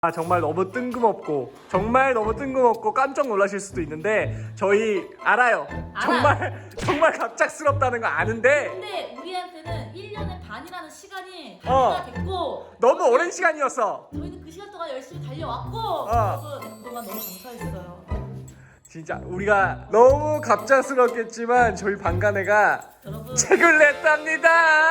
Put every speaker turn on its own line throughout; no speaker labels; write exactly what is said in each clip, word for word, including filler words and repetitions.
아 정말 너무 뜬금없고 정말 너무 뜬금없고 깜짝 놀라실 수도 있는데 저희 알아요.
알아.
정말 정말 갑작스럽다는 거 아는데
근데 우리한테는 일 년의 반이라는 시간이
어.
단위가 됐고
너무 오랜 시간이었어.
저희는 그 시간 동안 열심히 달려왔고
어.
여러분 그동안 너무 감사했어요.
진짜 우리가 너무 갑작스럽겠지만 저희 방간애가
여러분
책을 냈답니다.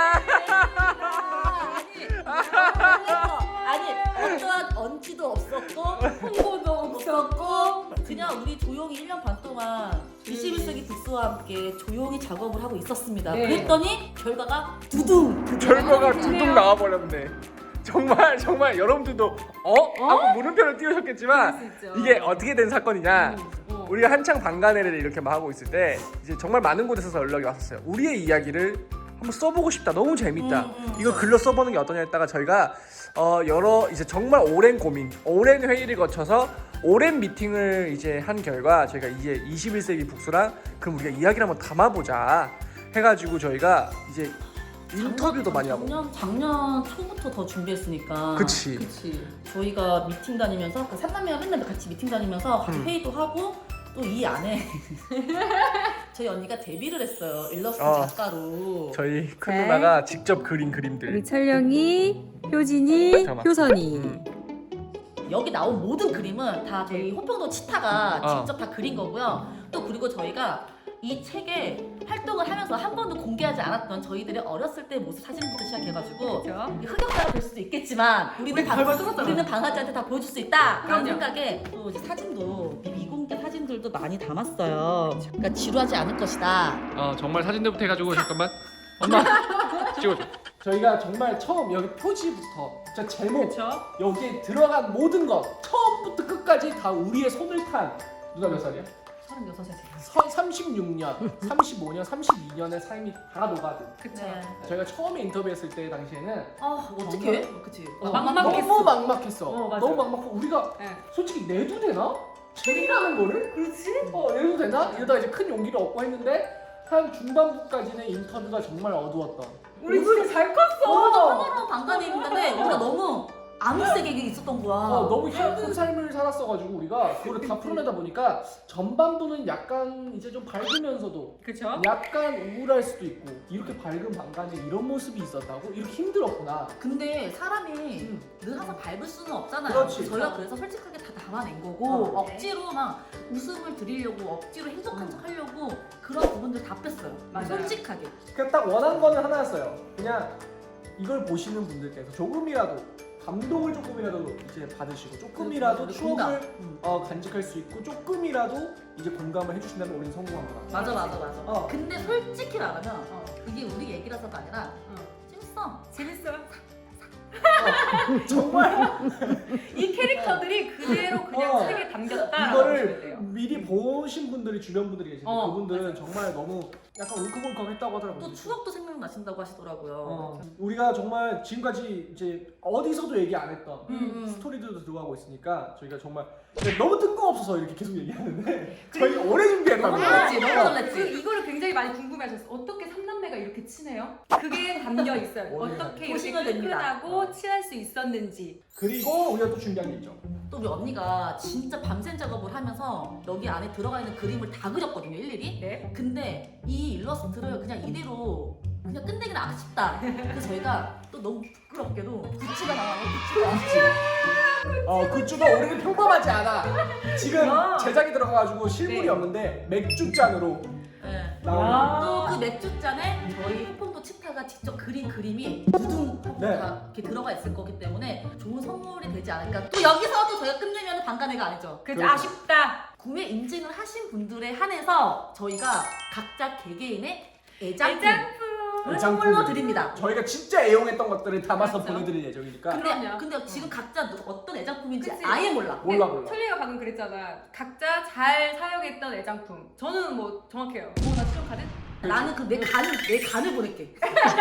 아니 아니 어떠한 언지도 없었고 홍보도 없었고 그냥 우리 조용히 일 년 반 동안 이십일 세기 북스와 함께 조용히 작업을 하고 있었습니다.
네.
그랬더니 결과가 두둥
결과가
그래요?
둥둥 나와버렸네. 정말 정말 여러분들도 어? 하고 물음표를 띄우셨겠지만
그럴 수 있죠.
이게 어떻게 된 사건이냐.
어.
우리가 한창 방간회를 이렇게 막 하고 있을 때 이제 정말 많은 곳에서 연락이 왔었어요. 우리의 이야기를 한번 써보고 싶다. 너무 재밌다.
음, 음,
이거 글로 써보는 게 어떠냐 했다가 저희가 어 여러 이제 정말 오랜 고민, 오랜 회의를 거쳐서 오랜 미팅을 이제 한 결과 저희가 이제 이십일 세기 북수랑 그럼 우리가 이야기를 한번 담아보자 해가지고 저희가 이제 인터뷰도 많이 하고.
작년 작년 초부터 더 준비했으니까.
그치.
그치.
저희가 미팅 다니면서 그 삼남매가 맨날 같이 미팅 다니면서 같이
음.
회의도 하고 또 이 안에 저희 언니가 데뷔를 했어요. 일러스트
어.
작가로.
저희 큰
네.
누나가 직접 그린 그림들.
우리 철령이, 효진이,
잠깐만.
효선이.
음.
여기 나온 모든 그림은 다 저희 호평도 치타가
어.
직접 다 그린 거고요. 또 그리고 저희가 이 책에 활동을 하면서 한 번도 공개하지 않았던 저희들의 어렸을 때 모습 사진부터 시작해가지고
그렇죠.
흑역사가 될 수도 있겠지만 우리는 방,
벌벌 떨었잖아.
우리는 방아지한테 다 보여줄 수 있다 그런
그럼요.
생각에 또 이제 사진도 미공개 사진들도 많이 담았어요. 그러니까 지루하지 않을 것이다.
어 정말 사진들부터 해가지고 잠깐만 엄마 찍어줘. 저희가 정말 처음 여기 표지부터 저 제목
그쵸?
여기에 들어간 모든 것 처음부터 끝까지 다 우리의 손을 탄 누나 몇 살이야?
서른여섯에 제가.
서, 삼십육 년, 삼십오 년, 삼십이 년의 삶이 다 녹아든.
그쵸.
네.
저희가 처음에 인터뷰했을 때 당시에는
아 어떻게? 그치.
어,
막막했어.
막막했어.
너무 막막했어.
어, 맞아.
너무 막막하고 우리가
네.
솔직히 내도 되나? 책이라는 거를?
그렇지.
어 내도 되나? 이러다가 이제 큰 용기를 얻고 했는데 한 중반부까지는 인터뷰가 정말 어두웠던.
우리 진짜 잘 컸어.
너무 평화로운 방간이었는데 우리가 너무 암흑색에 있었던 거야.
어, 너무 힘든 삶을 살았어가지고 우리가 그거를 다 풀어내다 보니까 전반부는 약간 이제 좀 밝으면서도
그쵸?
약간 우울할 수도 있고 이렇게 밝은 방간에 이런 모습이 있었다고? 이렇게 힘들었구나.
근데 사람이
음.
늘 항상 밝을 수는 없잖아요.
그렇지.
저희가 그래서 솔직하게 다 담아낸 거고
어.
억지로 막 웃음을 드리려고 억지로 행복한
음.
척 하려고 그런 부분들 다 뺐어요.
맞아요.
솔직하게.
그냥 딱 원한 거는 하나였어요. 그냥 이걸 보시는 분들께서 조금이라도 감동을 조금이라도 이제 받으시고 조금이라도
그렇죠.
추억을
공감. 음.
어, 간직할 수 있고 조금이라도 이제 공감을 해주신다면 우리는 성공한 거다.
맞아 맞아 맞아.
어.
근데 솔직히 말하면
어.
이게 우리 얘기라서가 아니라
어.
재밌어.
재밌어요.
정말
이 캐릭터들이 그대로 그냥
어.
책에 담겼다.
이거를 미리 보신 분들이 주변 분들이 계신데
어,
그분들은 정말 너무 약간 울컥울컥했다고 하더라고요.
또 추억도 생각나신다고 하시더라고요.
어, 우리가 정말 지금까지 이제 어디서도 얘기 안 했던
음, 음.
스토리들도 들어가고 있으니까 저희가 정말 너무 뜬금없어서 이렇게 계속 얘기하는데 저희 오래 준비했다고.
너무 놀랐지, 너무
그
놀랐지.
이거를 굉장히 많이 궁금해하셨어. 어떻게 삼남매가 이렇게 친해요? 그게 담겨 있어요.
어디에
어떻게 이렇게
보시면 됩니다.
끈끈하고 친할 수 있었는지.
그리고 우리가 또 준비한 게 있죠.
또 우리 언니가 진짜 밤샘 작업을 하면서 여기 안에 들어가 있는 그림을 다 그렸거든요, 일일이.
네.
근데 이 일러스트를 그냥 이대로 그냥 끝내기는 아쉽다. 그래서 저희가 또 너무 부끄럽게도 굿즈가 나와요, 굿즈가.
어, 굿즈도 우리는 평범하지 않아. 지금
야.
제작이 들어가가지고 실물이
네.
없는데 맥주 잔으로
네.
나오는.
또 그 맥주잔에 저희 호pom도 치타가 직접 그린 그림이 두둥 하고
네.
다 이렇게 들어가 있을 거기 때문에 좋은 선물이 되지 않을까. 또 여기서 또 저희가 끝내면 방간회가 아니죠.
그
그렇죠.
아쉽다.
구매 인증을 하신 분들에 한해서 저희가 각자 개개인의 애장품
애장품.
선물로 드립니다.
저희가 진짜 애용했던 것들을 담아서
맞죠.
보내드릴 예정이니까.
근데,
그럼요.
근데 지금 각자 누- 어떤 애장품인지
그치.
아예 몰라.
몰라 몰라.
철리가 방금 그랬잖아. 각자 잘 사용했던 애장품. 저는 뭐 정확해요. 뭐나 수정카드?
나는 그 내 간을 내 간을 보낼게.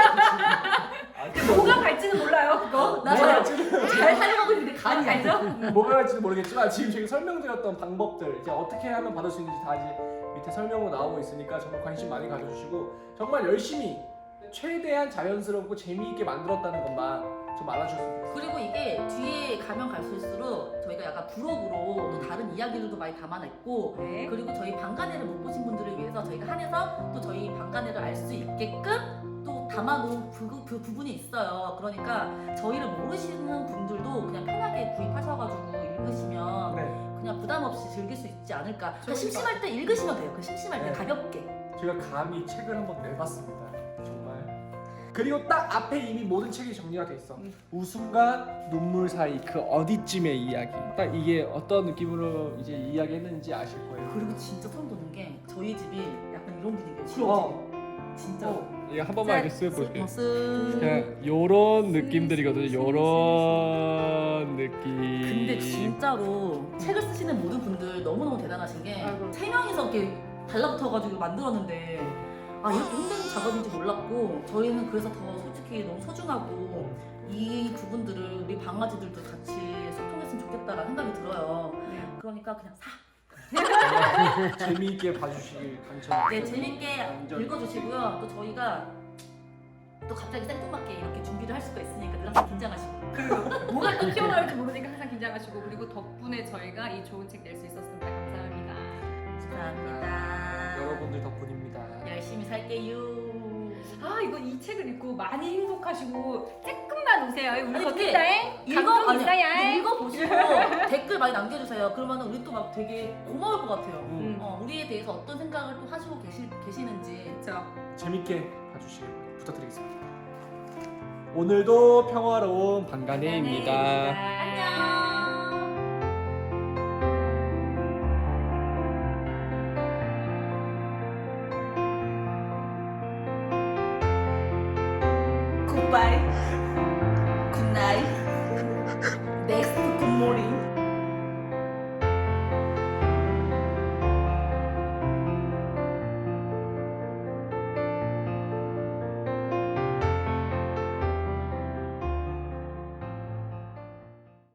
아,
뭐가 갈지는 몰라요. 그거.
나
뭐가
잘,
갈지는
잘 사용하고 있는데 간이 알죠?
알죠?
뭐가 갈지는 모르겠지만 지금 저희가 설명드렸던 방법들 이제 어떻게 하면 받을 수 있는지 다 이제 밑에 설명으로 나오고 있으니까 정말 관심 많이 가져주시고 정말 열심히 최대한 자연스럽고 재미있게 만들었다는 것만 좀 알아주셨으면 좋겠어요.
그리고 이게 뒤에 가면 갈수록 저희가 약간 부록으로 또 다른 이야기들도 많이 담아냈고
네.
그리고 저희 방간회를 못 보신 분들을 위해서 저희가 한해서 또 저희 방간회를 알 수 있게끔 또 담아놓은 그, 그 부분이 있어요. 그러니까 저희를 모르시는 분들도 그냥 편하게 구입하셔가지고 읽으시면
네.
그냥 부담 없이 즐길 수 있지 않을까. 그러니까
좋을
심심할 때 읽으시면 돼요. 그 심심할 때
네.
가볍게.
제가 감히 책을 한번 내봤습니다. 정말. 그리고 딱 앞에 이미 모든 책이 정리가 돼 있어.
음.
웃음과 눈물 사이 그 어디쯤의 이야기. 딱 이게 어떤 느낌으로 이제 이야기했는지 아실 거예요.
그리고 진짜 소름 돋는 게 저희 집이 약간 이런 분위기예요.
어.
실험집. 진짜.
이거 한 번만 이렇게 쓰여볼게요.
쓱.
그냥 요런 느낌들이거든요. 요런 느낌.
근데 진짜로 책을 쓰시는 모든 분들 너무너무 대단하신 게
아이고.
세 명이서 이렇게 달라붙어가지고 만들었는데 아 이렇게 힘든 작업인지 몰랐고 저희는 그래서 더 솔직히 너무 소중하고 이 부분들을 우리 강아지들도 같이 소통했으면 좋겠다라는 생각이 들어요.
네.
그러니까 그냥 사.
재미있게 봐주시길 강추합니다.
네 재밌게
완전
읽어주시고요. 또 저희가 또 갑자기 생뚱맞게 이렇게 준비를 할 수가 있으니까 늘 항상 긴장하시고.
그리고 뭐가 또 튀어나올지 모르니까 항상 긴장하시고 그리고 덕분에 저희가 이 좋은 책 낼 수 있었습니다. 감사합니다.
감사합니다.
여러분들 덕분입니다.
열심히 살게요.
아 이거 이 책을 읽고 많이 행복하시고 조금만 우세요. 우리
아니,
겉인데
읽어
감동
아니,
있어야.
읽어보시고 댓글 많이 남겨주세요. 그러면 우리 또 막 되게 고마울 것 같아요.
음.
어, 우리에 대해서 어떤 생각을 또 하시고 계시, 계시는지.
그렇죠.
재밌게 봐주시길 부탁드리겠습니다. 오늘도 평화로운 방간회입니다.
안녕. 굿바이.